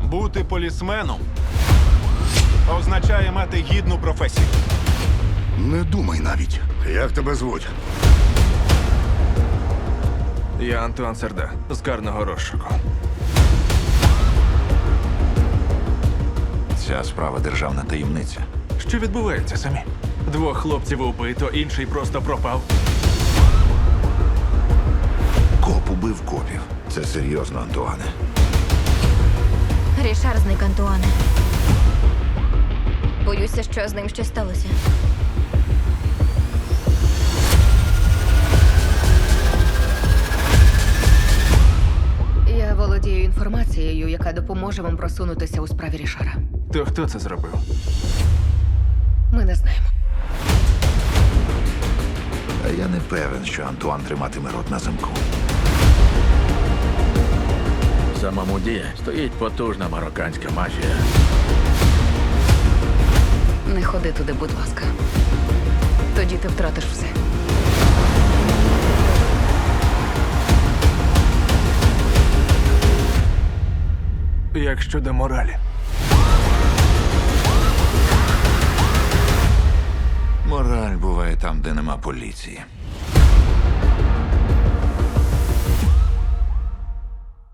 Бути полісменом означає мати гідну професію. Не думай навіть. Як тебе звуть? Я Антуан Серда з карного розшуку. Ця справа державна таємниця. Що відбувається самі? Двох хлопців убито, інший просто пропав. Коп убив копів. Це серйозно, Антуане. Рішар зник, Антуане. Боюся, що з ним щось сталося. Я володію інформацією, яка допоможе вам просунутися у справі Рішара. То хто це зробив? Ми не знаємо. А я не певен, що Антуан триматиме рот на замку. За Мамуді стоїть потужна марокканська мафія. Не ходи туди, будь ласка. Тоді ти втратиш все. Як щодо моралі? Мораль буває там, де нема поліції.